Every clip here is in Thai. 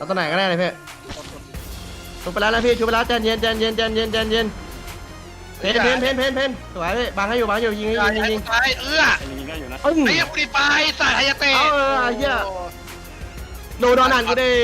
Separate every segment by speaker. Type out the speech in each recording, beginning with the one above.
Speaker 1: ตัวไหนก็ได้เลยพี่ชุบไปแล้วนะพี่ชุบไปแล้วใจเย็นใจเย็นใจเย็นใจเย็นเพนสวยพี่บังให้อยู่ยิงยิง
Speaker 2: ตายยิงได้อยู่นะไอ้ยังฟรีไฟสายไฮยาเตะ
Speaker 1: เหี้ยโดนหนันกูดิ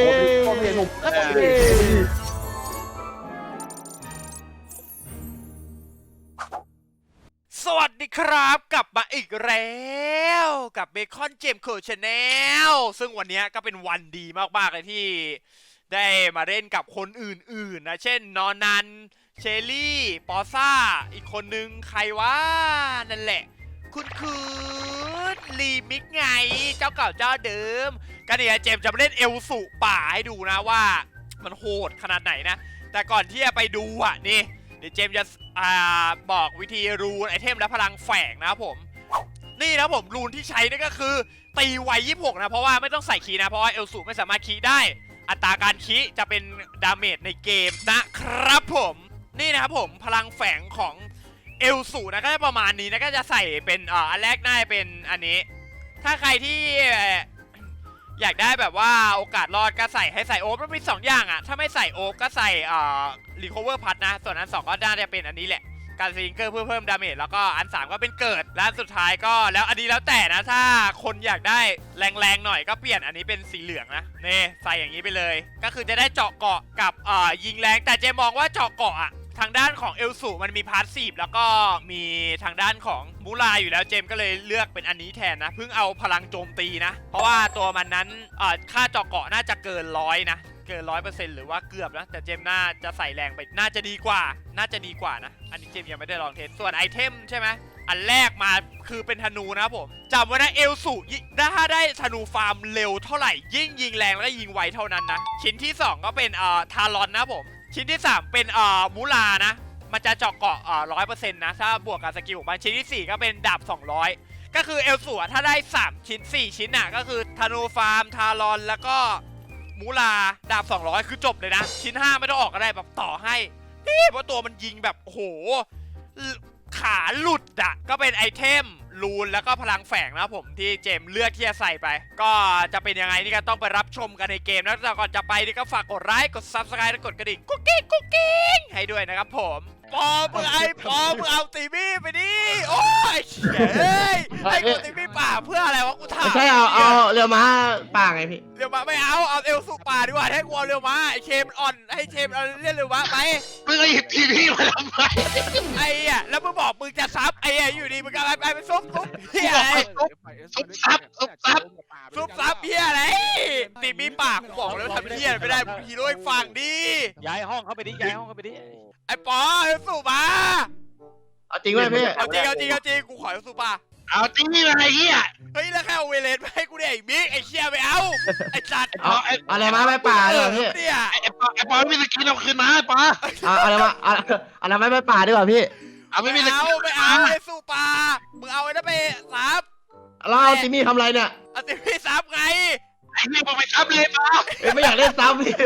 Speaker 3: สวัสดีครับกลับมาอีกแล้วกับเบคอนเจมส์โคชแนลซึ่งวันนี้ก็เป็นวันดีมากๆเลยที่ได้มาเล่นกับคนอื่นๆนะเช่นนอนันเชลลี่ปอซ่าอีกคนนึงใครวะนั่นแหละคุณรีมิกไงเจ้าเก่าเจ้าเดิมก็เนี่ยเจมส์จะมาเล่นเอลสุป่าให้ดูนะว่ามันโหดขนาดไหนนะแต่ก่อนที่จะไปดูอ่ะนี่เดี๋ยวเจมส์จะบอกวิธีรูนไอเทมและพลังแฝงนะครับผมนี่นะผมรูนที่ใช้นี่ก็คือตีไว26นะเพราะว่าไม่ต้องใส่คีย์นะเพราะว่าเอลสูไม่สามารถคีย์ได้อัตราการคีย์จะเป็นดาเมจในเกมนะครับผมนี่นะครับผมพลังแฝงของเอลสูนะก็จะประมาณนี้นะก็จะใส่เป็นอันแรกน่าจะเป็นอันนี้ถ้าใครที่อยากได้แบบว่าโอกาสรอดก็ใส่ให้ใส่โอ๊บมันมี2อย่างอ่ะถ้าไม่ใส่โอ๊บก็ใส่รีคอเวอร์พัทนะส่วนอัน2ก็น่าจะเป็นอันนี้แหละการสลิงเกอร์เพื่อเพิ่มดาเมจแล้วก็อัน3ก็เป็นเกิดและสุดท้ายก็แล้วอันนี้แล้วแต่นะถ้าคนอยากได้แรงๆหน่อยก็เปลี่ยนอันนี้เป็นสีเหลืองนะนี่ใส่อย่างนี้ไปเลยก็คือจะได้เจาะเกาะกับยิงแรงแต่เจมองว่าเจาะเกาะอ่ะทางด้านของเอลสูมันมีพาสซีฟแล้วก็มีทางด้านของมูลาอยู่แล้วเจมก็เลยเลือกเป็นอันนี้แทนนะเพิ่งเอาพลังโจมตีนะเพราะว่าตัวมันนั้นค่าเจาะเกาะน่าจะเกิน100นะเกิน100%หรือว่าเกือบนะแต่เจมน่าจะใส่แรงไปน่าจะดีกว่านะอันนี้เจมยังไม่ได้ลองเทสส่วนไอเทมใช่ไหมอันแรกมาคือเป็นธนูนะครับผมจำไว้นะเอลสูถ้าได้ธนูฟาร์มเร็วเท่าไหร่ยิ่งยิงแรงแล้วก็ยิงไวเท่านั้นนะชิ้นที่2ก็เป็นทารอนนะผมชิ้นที่3เป็นมูลานะมันจะเจาะเกาะ100%นะถ้าบวกกับสกิลของมันชิ้นที่4ก็เป็นดาบ200ก็คือเอลสูถ้าได้3ชิ้น4ชิ้นน่ะก็คือธนูฟาร์มทารอนแล้วก็มูลาดาบ200คือจบเลยนะชิ้น5ไม่ต้องออกก็ได้แบบต่อให้เพราะตัวมันยิงแบบโอ้โหขาหลุดอ่ะก็เป็นไอเทมรูนแล้วก็พลังแฝงนะผมที่เจมเลือกที่จะใส่ไปก็จะเป็นยังไงนี่ก็ต้องไปรับชมกันในเกมนะแต่ก่อนจะไปนี่ก็ฝากกดไลค์กด Subscribe และกดกระดิ่งกุ๊กกิ๊งให้ด้วยนะครับผมปอมึงเอาตีมี่ไปดิโอ้ยเฮ้ยให้กูตีมี่ป่าเพื่ออะไรวะกูถาม
Speaker 1: ไม่ใช่เอาเรือม้าป่าไงพี่
Speaker 3: เรือม้าไม่เอาเอลสูป่าดีกว่าให้กูเอาเรือม้าไอเชมอ่อนให้เชมเอาเล่นเรือม้าไป
Speaker 2: มึงไอ้ตีมี่มาทำไม
Speaker 3: ไอ้อะแล้วมึงบอกมึงจะซับไอ้อยู่ดีมึงก็ไปซุบเฮียอะไร
Speaker 2: ซุบซับ
Speaker 3: เฮียอะไรตีมี่ป่ากูบอกแล้วทำเฮียไม่ได้ฮีโร่อีกฝั่งดิ
Speaker 4: ย้ายห้องเข้าไปดิ
Speaker 3: ไอ้ปอเอลสูป่า
Speaker 1: เอาจริงไหมพี่
Speaker 3: เอาจริงกูขอเอลสูป่า
Speaker 2: เอาตีมี่มาไอ้เหี้ย
Speaker 3: เฮ้ยแล้วแค่เอาเวเลนไปให้กูเนี่ยไอ้บิ๊กไอ้เชี่ยไม่เอาไอ้จัด
Speaker 1: อะไรมาไม่ป่าเลยพี่
Speaker 2: ไอ้ปอไม่มีสกินเอาคืนมาปอ
Speaker 1: อะไรมาอะไรไม่ป่าดีกว่าพี่
Speaker 2: เอาไม่เอา
Speaker 3: ไอ้สูป่ามึงเอาไอ้นั่นไปซับ
Speaker 1: เราเอาติมี่ทำไรเนี่ย
Speaker 3: เอาติมี่ซับไง
Speaker 2: ไอ้นี่มึงไปซับเลยปอ
Speaker 1: ไม่อยากเล่นซับพี่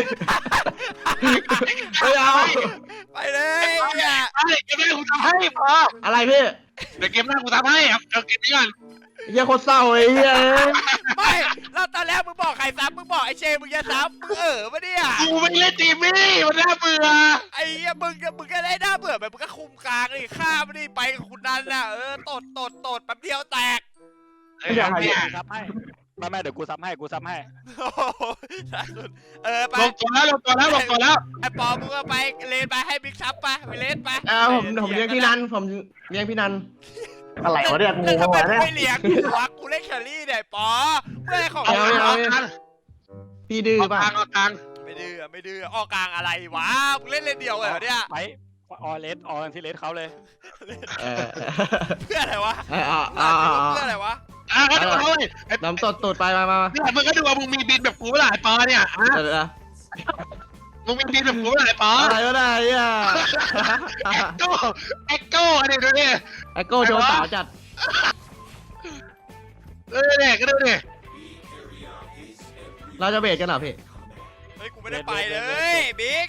Speaker 1: ไม่เอา
Speaker 3: ไปเลย
Speaker 2: เนี่ยเกมหน้ากูทำให้ปอ
Speaker 1: อะไรพี่
Speaker 2: เดี๋ยวเกมหน้ากูทำให้เอาเกมนี้ก่อน
Speaker 1: เฮียโคตรเศร้าเลยเฮีย
Speaker 3: ไม่แล้วตอนแรกมึงบอกใครซับมึงบอกไอ้เชมึงจะซับมึงปะเนี่ย
Speaker 2: กูไม่เล่นตีมี่มันน่าเบื่อ
Speaker 3: ไอ้เหี้ยมึงก็ได้น่าเบื่อแบบมึงก็คุมกลางเลยฆ่าไม่ได้ไปกับคุณนันน่ะตดแป๊บเดียวแตก
Speaker 4: ซับให้ไม่เดี๋ยวกูซับให้
Speaker 3: ไป
Speaker 2: ลงตัวแล้ว
Speaker 3: ไอ้ปอมึงก็ไปเลนไปให้บิ๊กซับไปเลนไป
Speaker 1: ผมเลี้ยงพี่นันอะไรวะเนี่ยกู
Speaker 3: ทำไมไม่เลี้ยงกูเล่นแครี่เนี่ยปอเมื่อของ
Speaker 1: พี่ดื้อป่ะ
Speaker 3: ไม่ดื้อออกกลางอะไรวะมึงเล่นเดียวเหรอเนี่ย
Speaker 4: ไปออที่เลสเขาเลย
Speaker 3: เพื่ออะไรวะเพื่ออะไรวะ
Speaker 2: ก็ดูเขาเลย
Speaker 1: น้ำตดไปมา
Speaker 2: เนี่ยมึงก็ดูว่ามึงมีบินแบบกูเมื่อไหร่ปอเนี่ยมึงมีบินแบบกูเมื่อไหร่ปอ
Speaker 1: อะไรก็ได้อ่ะ
Speaker 2: เอ็กโก้อันนี้ดูดิ
Speaker 1: เอ็กโก้โดนสาวจัด
Speaker 2: เนี่ยก็ดูดิ
Speaker 1: เราจะเบรกกันเหรอพี่
Speaker 3: เฮ้ยกูไม่ได้ไปเลยบิ๊ก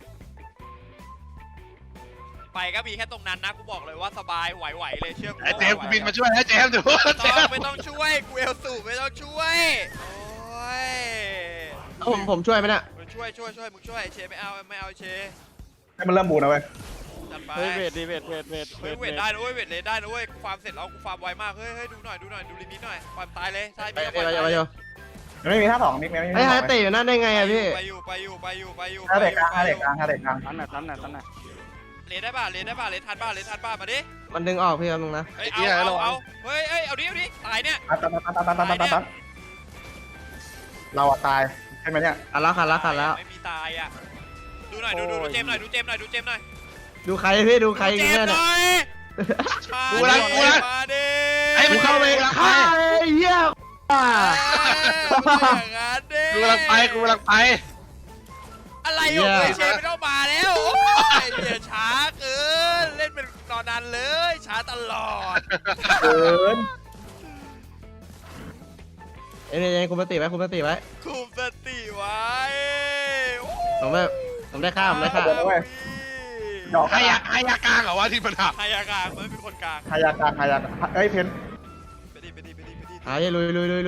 Speaker 3: ไปก็มีแค่ตรงนั้นนะกูบอกเลยว่าสบายไหวเลยเชื่อกู
Speaker 2: ไอ้เจมบินมาช่วยให้เจมดู
Speaker 3: ไม่ต้องช่วยกูเอลสูไม่ต้องช่วยโอ้ย
Speaker 1: ผมช่วยไหมเนี่ย
Speaker 3: มึงช่วยมึงช่วยเชไม่เอาเช
Speaker 5: ให้มันเริ่มบูนะเว้ย
Speaker 3: จัดไป
Speaker 4: เฮ้ยเวทดิเวท
Speaker 3: เฮ้ยเวทได้นะเว้ยเวทเลนได้นะเว้ยกูฟาร์มเสร็จแล้วกูฟาร์มไวมากเฮ้ยดูหน่อยดูลิมิตหน่อยฟาร์มตายเลยใช่
Speaker 1: ไป
Speaker 3: พี่
Speaker 1: ไป
Speaker 3: เอา
Speaker 1: ไป
Speaker 3: ไป
Speaker 1: ไป
Speaker 5: มันไม่มีท่าสองมิกไม่มี
Speaker 1: ไอ้
Speaker 5: ท่า
Speaker 1: ฮา
Speaker 5: สอง
Speaker 1: เตะอยู่นั่นได้ไงอะพี่
Speaker 3: ไปอยู่
Speaker 5: ท่าเด็กกลางท่าเด็กกลางท่าเด็กกลาง
Speaker 4: ตันหน่อย
Speaker 3: เลนได้ป่ะเลนทันป่ะมาดิ
Speaker 1: มันดึงออกพี่แป๊บนึงนะ
Speaker 3: เฮ้ยเอาเฮ้ยเอาดิตายเนี่ย
Speaker 5: ตัดเราอะตายใช่ไหมเนี่ย
Speaker 1: ขัดแล้ว
Speaker 3: ไม่มีตายอ่ะดูหน่อยดูเจมหน่อยดูเจมหน่อย
Speaker 1: ดูใครพี่ดูใคร
Speaker 3: เจ
Speaker 1: เนี่ย
Speaker 3: มห
Speaker 1: เนี่ย
Speaker 3: น่อย
Speaker 2: กูรัก
Speaker 3: มาดิ
Speaker 2: ไอ้
Speaker 1: กู
Speaker 2: มัน
Speaker 1: เข้าไป
Speaker 2: กูรัก
Speaker 1: ฆ่า
Speaker 2: ไป
Speaker 1: ไอ้เหี้ยอ่ะ
Speaker 3: อย่างนั้นดิ
Speaker 2: กูรักไปกูรักไป
Speaker 3: อะไรอยู่เชฟไม่ต้องมาแล้วโอ้ยเดี๋ยวช้าเกินเล่นเป็นตอนนั้นเลยช้าตลอด
Speaker 5: เกิน
Speaker 1: เอ้ยคุณมาติไว้
Speaker 3: คุมสติไว้
Speaker 1: ผมได้ข้ามได้ข้าม
Speaker 5: ดอก
Speaker 2: ให้ยากลางเหรอวะที่ปัญหา
Speaker 3: ใครกลางไม่เป็นคนกลาง
Speaker 5: ฮายากลางฮายากเอ้ยเพน
Speaker 3: ไปดิ
Speaker 1: หายลุย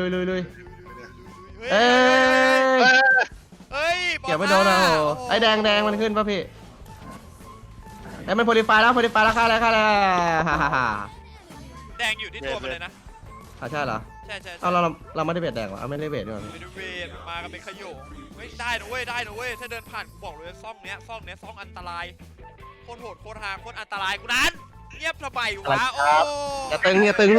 Speaker 1: เอ้
Speaker 3: เฮ้ย
Speaker 1: เกี่ยวไม่โดนนะโอ้ไอ้แดงมันขึ้นป่ะพี่ไอ้มันโพลิฟายแล้วฆ่าแล้วฮ่า
Speaker 3: แดงอยู่ที่ตัวมันเลยนะ
Speaker 1: ใช่เหรอ
Speaker 3: ใช่
Speaker 1: เอาเราไม่ได้เบ็ดแดงเหรอไม่ได้เบ็ดด้วย
Speaker 3: ไปดูเวทมากันเป็นขโยงเฮ้ยได้นะเว้ยถ้าเดินผ่านกูบอกเลยซ่องเนี้ยซ่องอันตรายโคตรโหดโคตรฮาโคตรอันตรายกูนั้นเงียบทำไมวะโอ้
Speaker 1: อย่าตึงพี่อย่าตึง
Speaker 3: ดี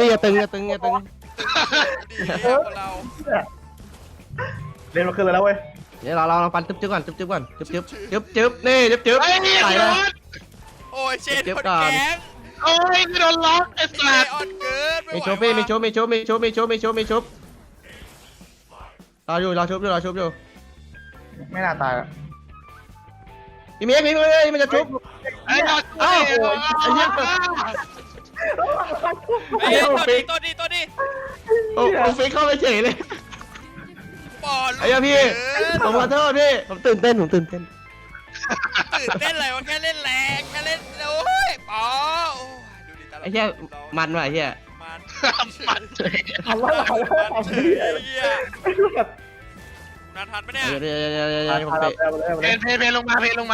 Speaker 3: คนเรา
Speaker 5: เล่นมาขึ้นแล้วเว้ย
Speaker 1: เดี๋ยวเราปันจึ๊บก่อนจึ๊บนี่จึ๊บ
Speaker 2: ไอ้นี่
Speaker 1: ใส่
Speaker 2: โด
Speaker 1: เลย
Speaker 2: น
Speaker 3: โอ้ยเชนคนแก๊ง
Speaker 2: โอ้ยโดนล็อกไอ้
Speaker 3: ไอ้
Speaker 2: สัตว์
Speaker 3: ออนเกิน
Speaker 1: มีชุบพี่มีชุบรอชุบอยู่
Speaker 5: ไม่น่าตาย
Speaker 1: พี่เมย์มันจะชุบ
Speaker 2: ไอ้ยอด
Speaker 1: อ้าวไอ้เหี้ย
Speaker 3: ไอ้ตัวนี้
Speaker 1: โอ้ผมฟิกเข้าไปเฉยเลย
Speaker 3: บอล
Speaker 1: ไอ้เหี้ยพี่ผมขอโทษพี่ผมตื่นเต้น
Speaker 3: ตื่นเต้นอะไรวะแค่เล่นแรงแค่เล่นโอ้ยป๋อดูดิ
Speaker 1: ไอ้เหี้ยมันว่ะไอ้เหี้ย
Speaker 3: มัน
Speaker 2: มัน
Speaker 5: ทำว่าเรา
Speaker 3: มันเฉยไอ้เหี้ยนาทันปะเนี่ย
Speaker 1: เดี๋ยวผมเตะ
Speaker 2: เพลงลงมา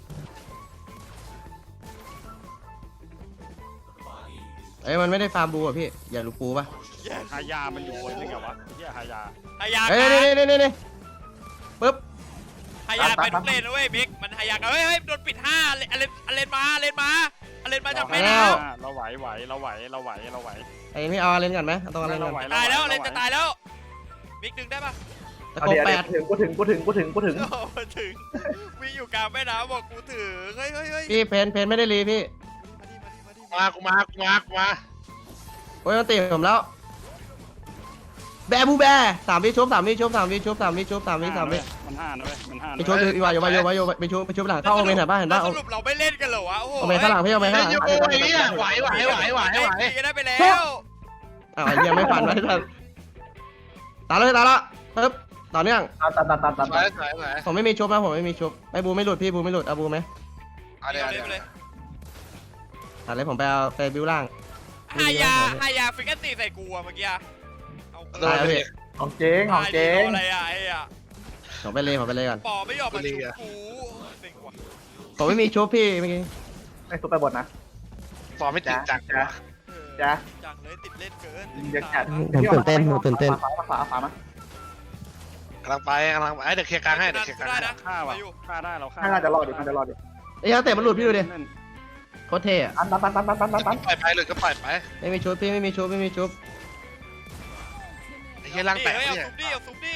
Speaker 1: เอ้ยมันไม่ได้ฟาร์มบูอ่ะพี่อย่าลูกปูป่ะ
Speaker 4: ฮายามันอยู่บนนี่ไงวะเฮียฮายา
Speaker 3: ฮายา
Speaker 1: เฮ้ยนี่ปึ๊บ
Speaker 3: ฮายาไปทุกเลนนะเว้ยบิ๊กมันฮายากันเฮ้ยโดนปิด5เลนมาจากแม่น้
Speaker 4: เราไหว
Speaker 1: ไอ้นี่เอาเล่นกันไหมเอาตรงเล่นกัน
Speaker 3: ำตายแล้วเลนจะตายแล้วบิ๊กดึงได้ปะ
Speaker 1: ตะโกนแปด
Speaker 5: กูถึง
Speaker 3: โอ้มาถึงวิ่งอยู่กลางแม่น้ำบอกกูถึงเฮ้ย
Speaker 1: พี่เพนไม่ได้รีพี่
Speaker 2: กูมา
Speaker 1: โอ้ยมันตีผมแล้วแบบูแบ3 วิชุบมีชุบ
Speaker 4: มันห้านะเว้ยมันห้า
Speaker 1: ไปชุบอยู่ไปชุบหลังเข้าโอเมนเห็นป่ะเห็นป่ะ
Speaker 3: สรุปเราไม่เล่นกันเหรอวะโอ้โห
Speaker 1: โอเมนข้างหลังพี่โอเมนข้างหลัง
Speaker 2: โอ้ยเนี่ยไหว
Speaker 3: ตีกันได้ไปแล้ว
Speaker 1: อ้าวยังไม่ฝันไว้ทันตาละปึ๊บต่อเนื่อง
Speaker 5: ตัด
Speaker 2: ไหว
Speaker 1: ผมไม่มีชุบนะผมไม่มีชุบไอ้บูไม่หลุดพี่บูไม่หลุดเอาบูไหม
Speaker 2: เอาเดี๋ยว
Speaker 3: เลย
Speaker 1: อะไรผมไปเอาไปบิวล่าง
Speaker 3: ฮายาฟิกเกอร์ตีใส่กูอะเมื่อกี้เอา
Speaker 1: ตายแล้วพี่
Speaker 5: ของเจ๊งของเจ๊ง
Speaker 3: อะไรอะไอ้อะ
Speaker 1: ผมไปเลยก่อน
Speaker 3: ปอไม่ยอมมาชุบกูเซ็งว่ะ
Speaker 1: ผมไม่มีชุบพี่เมื่อกี้
Speaker 5: ไอ้ซุปไปบดนะ
Speaker 2: ฟอร์มไม่ติดจัง
Speaker 5: จ้ะ
Speaker 3: จังเลยติดเล่นเกิน
Speaker 5: เด็กจัด ฝามา
Speaker 2: กำลังไปเดี๋ยวเคลียร์กลางให้เดี๋ยวเคลียร์กลาง
Speaker 3: ได้
Speaker 2: ให้
Speaker 3: นะ
Speaker 4: ฆ่าได้เราฆ่า
Speaker 5: น่าจะรอดดิมันจะรอดดิ
Speaker 1: ไอ้ยาเตะมันหลุดพี่ดูดิโคตรเท่อะ
Speaker 5: ตัน
Speaker 2: ปล่อยไปเลยก็ปล่อยไป
Speaker 1: ไม่มีชุบพี่ไม่มีชุบ
Speaker 2: ไอ้เหี้ยร่างแตก
Speaker 3: เอา
Speaker 2: เนี่ย
Speaker 3: ซุปดิ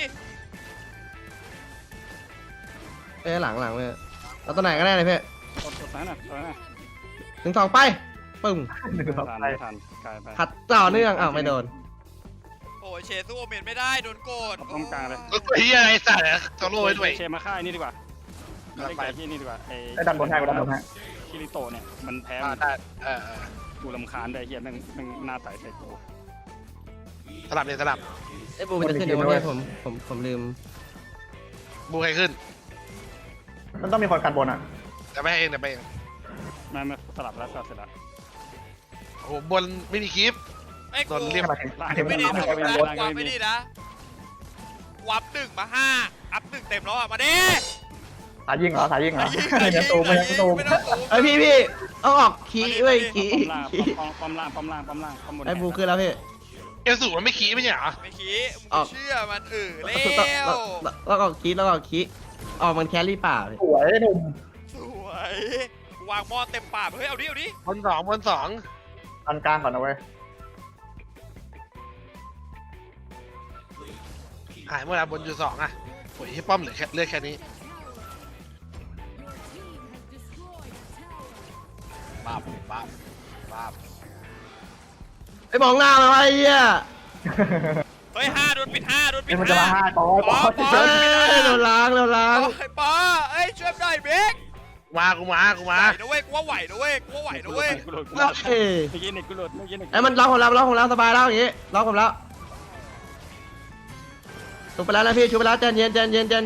Speaker 1: เอ้ยหลังเลยเอาตัวไหนก็ได้เลยพี่
Speaker 4: กดซ้ายหน่อย
Speaker 1: 1 2ไปปึ้ง
Speaker 4: ไม่ทันกลายไป
Speaker 1: ขัดต่อเนื่องอ้าวไม่โดน
Speaker 3: โอ้ยเชสู้โอเมนไม่ได้โดนโกด
Speaker 4: ตรงกลางเลย
Speaker 2: ไอ้เหี้ยไอ้สัตว์โซโล่ไว้ด้วย
Speaker 4: เชมาฆ่านี่ดีกว่าไปที่นี่ดีกว่าไอ้
Speaker 5: ไอ้ดันบนให้กูดันบนให้
Speaker 4: คิริโตเนี่ยมันแพ้
Speaker 2: ได้
Speaker 4: กูรำคาญได้เฮียแม่งหน้าไต่ใส่กู
Speaker 2: สลับ
Speaker 1: ไอ้บูมันจะขึ้นเดี๋ยววันนี้ผมลืม
Speaker 2: บูใครขึ้น
Speaker 5: มันต้องมีคนกันบนอ่ะ
Speaker 2: จะไม่เอง
Speaker 4: ไม่สลับแล้วเสร็จแล้ว
Speaker 2: โอ้โหบนไม่มีคลิป
Speaker 3: ไอ้
Speaker 2: โด
Speaker 3: กู
Speaker 2: นเรียก
Speaker 5: มาถึง
Speaker 3: ไม่ดีนะ
Speaker 5: กันบน
Speaker 3: ไม่ดีนะกูอัพ1 มา 5 อัพ 1 เต็มแล้วอ่ะ มาดิ
Speaker 5: สายยิงเหรอสายยิงเหรอ
Speaker 3: ยิง
Speaker 5: ไม่ยังตูมไม่ยังตูม
Speaker 3: ไม่ต้องตูม
Speaker 1: ไอยพี่เอาออกขี้เว้ยขี้
Speaker 4: ป้อมล่างป้อมล่างป้อมล่างป้อมบน
Speaker 1: ไอบูขึ้นแล้วพี่
Speaker 2: เอลสูมันไม่ขี้ไม่ใช่เหรอ
Speaker 3: ไม่ขี้มึง
Speaker 1: ออก
Speaker 3: เชื่อมันแล้ว
Speaker 1: แล้วก็ขี้แล้วก็ขี้ออกมันแครี่ป่าพี่
Speaker 5: สวยหนุ่ม
Speaker 3: สวย วางหม้อเต็มปากเฮ้ย เอาดิ เอาดิ
Speaker 2: บนสอง
Speaker 5: อันกลางก่อนนะเว้ย
Speaker 2: หายเมื่อไหร่บนอยู่2อ่ะโอ้ยที่ป้อมเหลือแค่นี้
Speaker 4: ปั๊บปั๊บปั๊บ
Speaker 1: ไอมองหน้ามาไอ้เหี้ย
Speaker 3: เฮ้ย5โดนปิด5โดนปิ
Speaker 5: เอ้ย
Speaker 3: ด
Speaker 5: มันจะมา
Speaker 3: 5
Speaker 5: ห้าต่อ
Speaker 3: ปอ
Speaker 1: เฮ้ยโดนล้างโดนล้าง
Speaker 3: ไอ้ปอเอ้ยช่วยหน่อยเบก
Speaker 2: กูมา
Speaker 3: ไหวนะเว้ยกูว่าไหวนะเว้ยกูว่าไหวนะเว้ย
Speaker 4: กูหลุด
Speaker 1: เอ้ย
Speaker 4: เมื่อกี้เนี่ยกูหลุดเมื่อกี้เนี่ย
Speaker 1: ไอ้มันล็อกผมแล้วสบายแล้วอย่างงี้ล็อกผมแล้วชุบไปแล้วนะพี่ชุบไปแล้วใจเย็น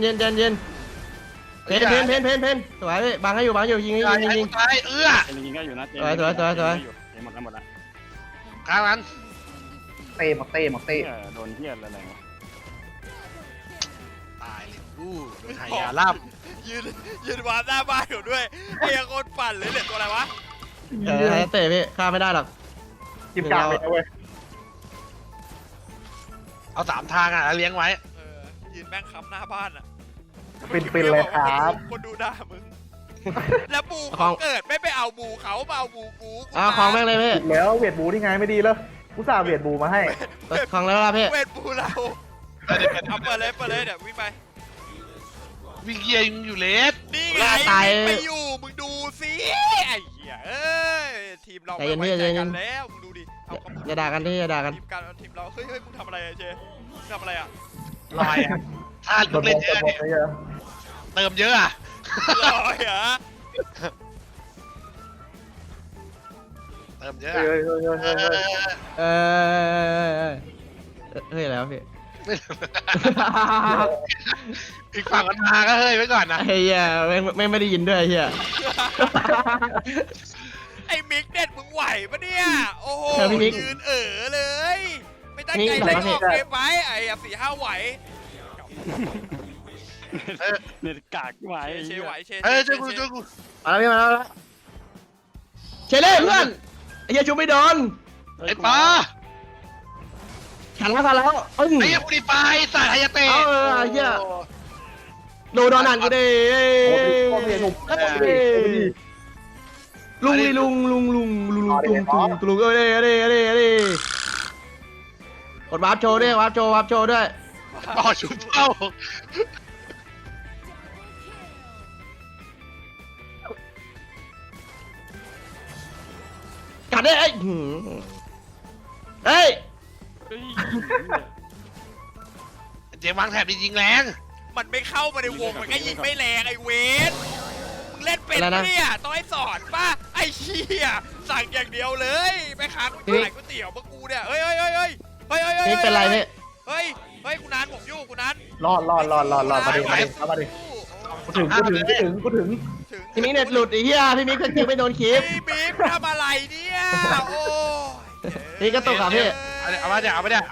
Speaker 1: เพนสวยพี่บังให้อยู่ยิง
Speaker 2: ตาย
Speaker 1: ยิง
Speaker 2: ตายเอื้อ
Speaker 4: ยิงก็อยู่นะ
Speaker 1: สวย
Speaker 4: หมดแล้ว
Speaker 2: ข้างนั้น
Speaker 5: เต้หมดเต้หมดเต้
Speaker 4: โดนเฮียอะไรวะ
Speaker 2: ตายเลยโดนหายาล่ำ
Speaker 3: ยืนวางหน้าบ้านอยู่ด้วยไอ้ยังโคตรปั่นเลยเหลือตัวอะไรวะ
Speaker 1: เตะพี่ฆ่าไม่ได้หรอก
Speaker 5: จิ้มกลางไปนะเว้ย
Speaker 2: เอา3 ทางอ่ะแล้วเลี้ยงไว้
Speaker 3: ยืนแม่งค้ำหน้าบ้านอ่ะ
Speaker 5: ปินเลยครับ
Speaker 3: คนดูด่ามึงแล้วบูเขาเกิดไม่ไปเอาบูเขามาเอาบูกู
Speaker 1: ของแม่งเลยพี่
Speaker 5: ผิดแล้วเวียดบูนี่ไงไม่ดีแล้วกูสาเวียดบูมาให้
Speaker 1: ของแล้วล่ะพี่
Speaker 3: เวทบูเราเอาเปิดเลยเดี๋ยววิ่งไป
Speaker 2: วิ่งเกียงอยู่เลส
Speaker 3: นี่ไงไปอยู่มึงดูสิไอ้เหี้ยเอ้ยทีมเราไม่ไว้ใจกันแล้วมึงดูดิเอา
Speaker 1: อย่าด่ากันที่อย่าด่ากัน
Speaker 3: ทีมเราเฮ้ยมึงทำอะไรอะเจทำอะไรอะ
Speaker 2: ลอยอ่ะถ้า
Speaker 5: โด
Speaker 2: ลู
Speaker 5: น
Speaker 2: กเล่นเยอะ
Speaker 5: หมดเลยอะ
Speaker 2: เติมเยอะอ่ะ
Speaker 3: ลอยเหรอ
Speaker 2: เติมเยอะ
Speaker 5: เฮ้ยเฮ้ยเฮ้ยเฮ้ยเฮ้ย
Speaker 1: เฮ้ยแล้วพี่
Speaker 2: อีกฝั่งมันมาก็เฮ้ยไว้ก่อนนะ
Speaker 1: ไอ้เหี้ยไม่ได้ยินด้วยไอ้เหี้ย
Speaker 3: ไอ้มิกเด็ดมึงไหวปะเนี่ยโอ้โหยืนเลย ไม่ตั้งใจเล่นออกเกมไว้ไอ้4-5ไหว
Speaker 4: เนี่ยกากไหว
Speaker 3: เชไหวเช
Speaker 2: เฮ้ยช่วยกู
Speaker 1: มาแล้วพี่มาแล้วเชเล่เพื่อนไอ้เหี้ยชูไม่โดน
Speaker 2: ไอ้ปลา
Speaker 1: ขันแล้ว
Speaker 2: ไอ้ยังบุรีไฟสายไฮยาเตะ
Speaker 1: ไอ้เหี้ยโดนอ่านกูดิ
Speaker 5: โอ้ยโอ้ยหนุ่ม
Speaker 1: ลุงดิลุงตุงเอ้ยกดวาร์ปโชว์ด้วยวาร์ปโชว์ด้วย
Speaker 2: ต่อชุบเป้า
Speaker 1: กัดได้ไอ้เฮ้ย
Speaker 2: เจมวางแถบยิงแรง
Speaker 3: มันไม่เข้ามาในวงมันก็ยิงไม่แรงไอ้เวทมึงเล่นเป็นเนี่ยต้องให้สอนป่ะไอ้เชี่ยสั่งอย่างเดียวเลยไปค้างขายก๋วยเตี๋ยวมากูเนี่ยเฮ้ย
Speaker 1: นี่เป็นไรพี่
Speaker 3: เฮ้ยกูนันผมอยู่กูนัน
Speaker 5: รอดมาดิกูถึง
Speaker 1: พี่มิกเน็ตหลุดไอ้เหี้ยพี่มิกคิวไม่โดนคลิป
Speaker 3: พี่บิ๊กทำอะไรเนี่ยโอ้
Speaker 1: นี่ก็ตกอ่ะพี่
Speaker 2: เอามาเนี่ยเอาดิ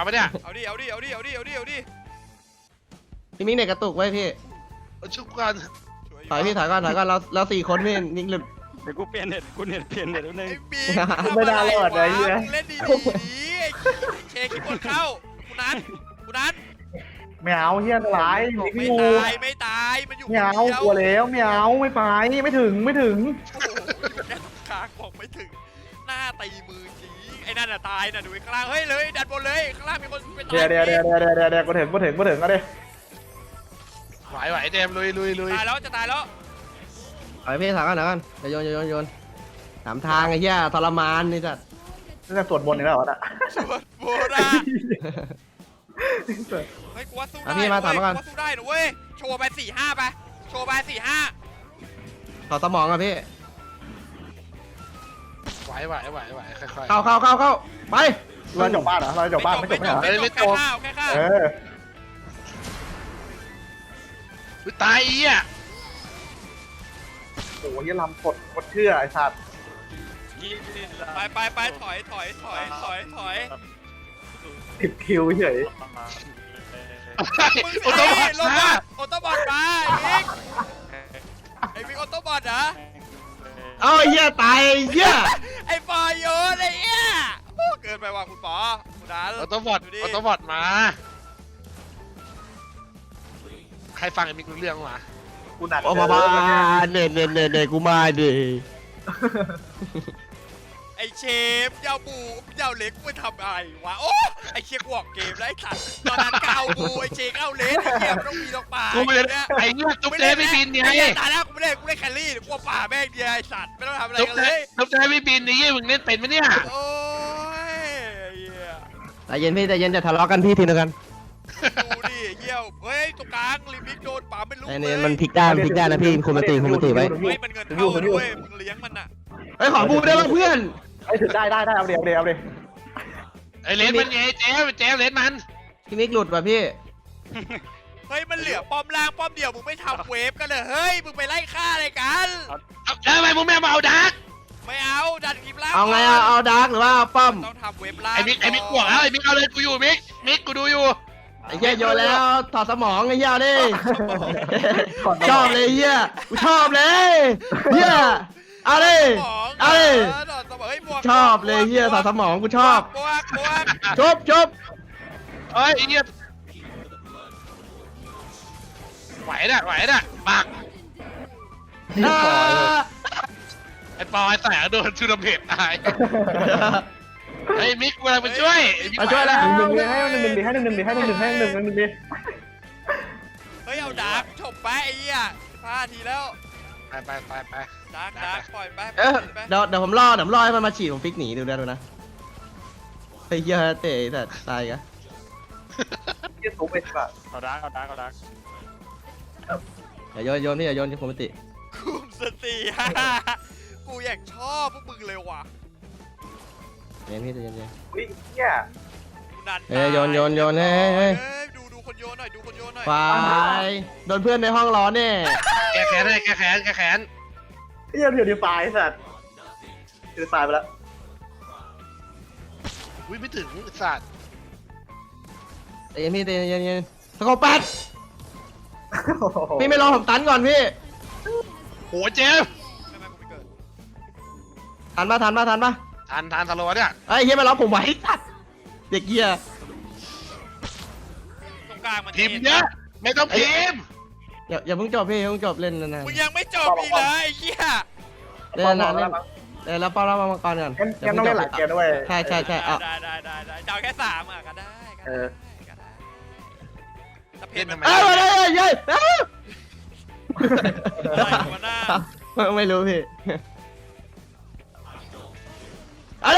Speaker 1: พี่มิกเน็ตกระตุกไว้พี่
Speaker 2: ชุบกัน
Speaker 1: ถอยก่อนเรา4 คนพี่นิกหลุด
Speaker 4: เดี๋ยวกูเปลี่ยนเน็ตกูเน็ตเปลี่ยนเน็ตแล้วนึง
Speaker 3: ไอ้บิ๊ก
Speaker 5: ไม่ได้รอดเลยเนี่ย
Speaker 3: เล่นดีเชคิดบนเข้ากูนัน
Speaker 5: ไม่เอาเฮียร้าย
Speaker 3: ไม่ตายมันอยู่
Speaker 5: ไม่เอากลัวแล้วไม่เอาไม่ไปไม่ถึง
Speaker 3: โอ้โหคางบอกไม่ถึงหน้าตีมือจีไอ้นั่นน่ะตายน่ะดูข้างล่างเฮ้ยเลยดันบนเลยข้างล่างมีคนไปตาย
Speaker 5: เดี๋ยวกูถึงก็ดิ
Speaker 2: ไหวเจมลุย
Speaker 3: ตายแล้วจะตายแล้ว
Speaker 1: ถอยพี่ถอยก่อนเดี๋ยวโยนถามทางไอ้เหี้ยทรมานนี่สัตว์
Speaker 5: นี่จะสวดบนนี่แล้วเหรอ
Speaker 3: สวดโบราณเฮ้ยกูว่าสู้ได้กูว่าสู้ได้นะเว้ยโชว์ไป4-5ไปโชว์ไป4-5
Speaker 1: ขอสมองอ่ะพี่
Speaker 2: ไหวค่อย
Speaker 1: เข้าไป
Speaker 5: เราจบบ้านเหรอเราจบบ้านไม่จบเหรอ
Speaker 3: ไม่จบแค่ข้าว
Speaker 2: ตายอีอ่ะ
Speaker 5: โอ้ยลำกดเชื่อไอ้สัตว์
Speaker 3: ไปถอย
Speaker 5: 10 คิวเฉย
Speaker 3: มึง
Speaker 2: โอโตบอท
Speaker 3: ลง
Speaker 2: มา
Speaker 3: มาออโต้บอทมาไอ้บิ๊กออโต้บอทเหรอ
Speaker 1: เอาไอ้เหี้ยตายไอ้เหี้ย
Speaker 3: ไอ้ปอโยนไอ้เหี้ยโอ้เกินไปว่ะคุณปอคุณดัน
Speaker 2: ออโตบอท
Speaker 3: ดูดิ
Speaker 2: ออโตบอทมา ใครฟังไอ้มิกรู้เรื่องวะ
Speaker 5: กูหนัก
Speaker 1: โอ้บ้าเน่กูมาดิ
Speaker 3: ไอ้เชฟเจ้าบูเจ้าเล็กไปทำอะไรวะโอ้ไอ้เชียกวอกเกมแล้วไอ้สัตว์ตอนนั้นก็เอาบูไอ้เชฟเอาเลสไอ้เหี้ยมันต้องมีดอกป่า
Speaker 2: กูไม่ได้
Speaker 3: เนี่ย
Speaker 2: ไอ้เนี่ยจุ๊บเจ๊ไม่บินเนี่ย
Speaker 3: ไอ้เหี้ยตายแล้วกูไม่ได้แคลรี่กูป่าแม่งเดียวไอ้สัตว์ไม่ต้องทำอะไร
Speaker 2: จุ๊บ
Speaker 3: กัน
Speaker 2: เจ๊
Speaker 3: เลย
Speaker 2: จุ๊บเจ๊ไม่บินนี่มึงเล่นเป็นไหมเนี่ย
Speaker 3: โอ้ยเหี้ย
Speaker 1: ใจเย็นพี่ใจเย็นจะทะเลาะกันพี่ทีนึงกัน
Speaker 3: ดูดิเหี้ยเฮ้ยตรงกลางลิมิกโดนป่าไม่รู้
Speaker 1: ไอ้
Speaker 3: เล
Speaker 1: นี่
Speaker 3: ย
Speaker 1: มันพลิกได้มันพลิกได้นะพี่คุมสติไว้
Speaker 3: เฮ้ยมันเงินเท่าด้วยมึงเลี้ยงมันอะ
Speaker 1: เฮ้ยขอบูได้ป่ะเพื่อน
Speaker 5: ไอ้ถึงได้เอาเดี๋ยว
Speaker 2: ไอ้เลนมันไงเจ๊เลนมัน
Speaker 1: พี่มิกหลุดว่ะพี่
Speaker 3: เฮ้ยมันเหลือป้อมล่างป้อมเดียวมึงไม่ทำเวฟกันเลยเฮ้ยมึงไปไล่ฆ่าอะไรกัน
Speaker 2: เอาแล้วทำไมมึงไม่มาเอาดัก
Speaker 3: ไม่เอาดันคลิปล่าง
Speaker 1: เอาไงเอาดาร์กหรือว่าเอาป้อม
Speaker 3: ต้องทำเวฟล่าง
Speaker 2: ไอ้มิกบวกแล้วไอ้มิกเอาเลยกูอยู่มิกกูดูอยู่
Speaker 1: ไอ้เหี้ยโยนแล้วถอดสมองไอ้เหี้ยดิชอบเลยเหี้ยกูชอบเลยเหี้ยเอาดิเอาดิชอบเลยเหี้ยถอดสมองกูชอบบ
Speaker 3: วก
Speaker 1: ชบ
Speaker 2: เอ้ยไอ้เนี่ยไหวน่ะปัก
Speaker 1: อ่า
Speaker 2: ไอ้ปอยแสงโดนชูดเพจตายไอ้มิกกูอะไรมาช่วย
Speaker 1: มาช่วยแล้ว
Speaker 5: หนึ่งให้หนึ่งดิให้หนึ่งดิ
Speaker 3: เฮ้ยเอาดาร์กจบไปไอ้เหี้ย5 ทีแล้ว
Speaker 2: ไป
Speaker 3: ดาร์กปล่อยไป
Speaker 1: เดี๋ยวผมรอให้มันมาฉีดผมฟิกหนีดูนะไอ้เหี้ยเตะแต่ตายกัน
Speaker 5: ยี่สูงไปป่ะ
Speaker 4: เอาดัก
Speaker 1: อย่าโยนพี่อย่าโยนที่คุมสติ
Speaker 3: คุมสติกูอยากชอบพวกมึงเลยว่ะ
Speaker 1: เย็นพี่เย็น
Speaker 5: อุ้ยเนี่ย
Speaker 3: นัน
Speaker 1: เฮ้ยโยนเฮ้ย
Speaker 3: ดูคนโยนหน่อยดูคนโยนหน่อย
Speaker 1: ควายโดนเพื่อนในห้องร้อนแน่
Speaker 2: แกแขน
Speaker 5: เดี๋ยวตายสัตว์เดี๋ยวตายไปแล้ว
Speaker 2: อุ้ยไม่ถึงสัตว์
Speaker 1: เย็นพี่เย็นสกอร์ปัดพี่ไม่รอผมตันก่อนพี่
Speaker 2: โหเจม
Speaker 3: ไม่กูไม่เกิด
Speaker 1: ทันปะ
Speaker 2: ทานสโลว์เนี่ย
Speaker 1: ไอ้เฮียมาล้อผมไว้สัตว์เด็กเกีย
Speaker 3: ตรงกลางมัน
Speaker 2: พิมพ์เยอะไม่ต้องพิมพ์
Speaker 1: อย่าเพิ่งจบพี่อย่าเพิ่งจบเล่นนาน
Speaker 3: มึงยังไม่จบอีกเลยไอ้เหี้ย
Speaker 1: ๆเล่นนานๆเล่นแล้วป้าเรามาก่อนก่อน
Speaker 5: งั้นต้องเล่นหลายเกมด้วย
Speaker 1: ใช่เอา
Speaker 3: ได้จะเอาแค่3อ่ะก็ได้ถ้าเพจมัน
Speaker 1: เอ้ยเย้
Speaker 3: อะไรวะหน้า
Speaker 1: ไม่รู้พี่อะไร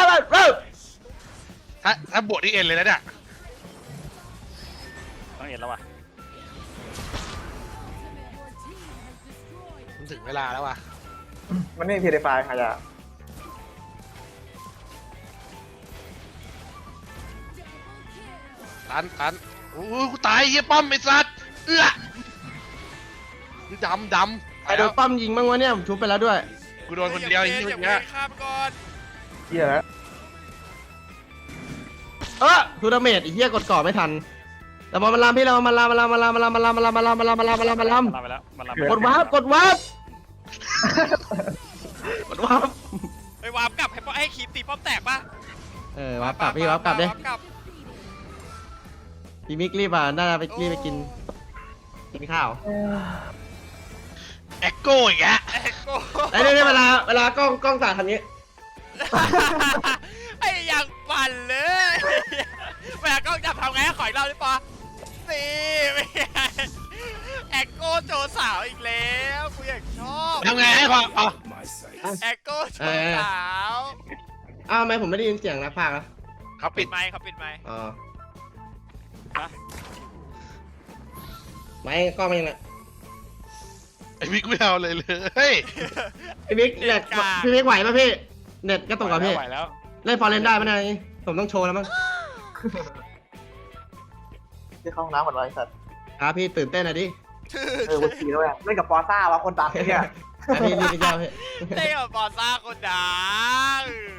Speaker 2: ถ้าบวกที่เอ็นเลยนะเนี่ย
Speaker 4: ต้องเห็นแล้วว่ะ
Speaker 2: มันถึงเวลาแล้วว่ะ
Speaker 5: มันนี่พีเดฟายค่ะจ้ะ
Speaker 2: ตันโอ้กูตายเฮียป้อมไอ้สัตว์ดำ
Speaker 1: ไอ้โดนปั้มยิงบ้างวะเนี่ยผมชุบไปแล้วด้วย
Speaker 2: กูโดนคนเดียวอย่าง
Speaker 3: อย่า
Speaker 2: เงี้ย
Speaker 3: ข้ามก่อน
Speaker 5: เหี้ยแล้ว
Speaker 1: ทูดาเมจไอ้เหี้ยกดก่อไม่ทันแต่มันลามพี่เรามันลามกดวาร์ป
Speaker 3: ไปวาร์ปกลับให้คีปตีป้อมแตกป่ะ
Speaker 1: วาร์ปกลับพี่วาร์ปกลับดิพี่มิกรีบน่าจะไปรีบไปกินข้าว
Speaker 2: แอคโก้อีกแล้ว
Speaker 3: เอ็กโก้
Speaker 1: ไอ้นี่เวลากล้องสาดทำนี้
Speaker 3: ไอ้ยังปั่นเลยเวลากล้องจับทำไงขออีกรอบได้ปะนี่แอคโก้โจสาวอีกแล้วกูอยากชอบ
Speaker 2: ทำไงให้พอ
Speaker 3: แอคโก้โจสาว
Speaker 1: อ้าวทำไมผมไม่ได้ยินเสียงนักพากย์อ่ะ
Speaker 2: เขา
Speaker 3: ปิ
Speaker 2: ปิ
Speaker 3: ด
Speaker 2: ด
Speaker 3: ไมค์เขาปิดไมค์
Speaker 1: อ๋อไม่กล้องมันยังไง
Speaker 2: ไอ้มิกไม่เอาเลย
Speaker 1: พี่มิกเน็ตพี่มิกไหวป่ะพี่เน็ตก็ตกกับพี่
Speaker 4: ไหวแล้ว
Speaker 1: เล่นฟอร์เรนได้ไหมเนี่ยผมต้องโชว์แล้วมั้ง
Speaker 5: ที่เข้าห้องน้ำหมดเลยสัตว์
Speaker 1: ครับพี่ตื่นเต้นหน่อยดิ
Speaker 5: วันทีด้วยเล่นกับปอซ่าวะคนดังเนี่ย
Speaker 1: พี่รีบไปเจ้าพี่
Speaker 3: เต้กับบอลซ่าคนดัง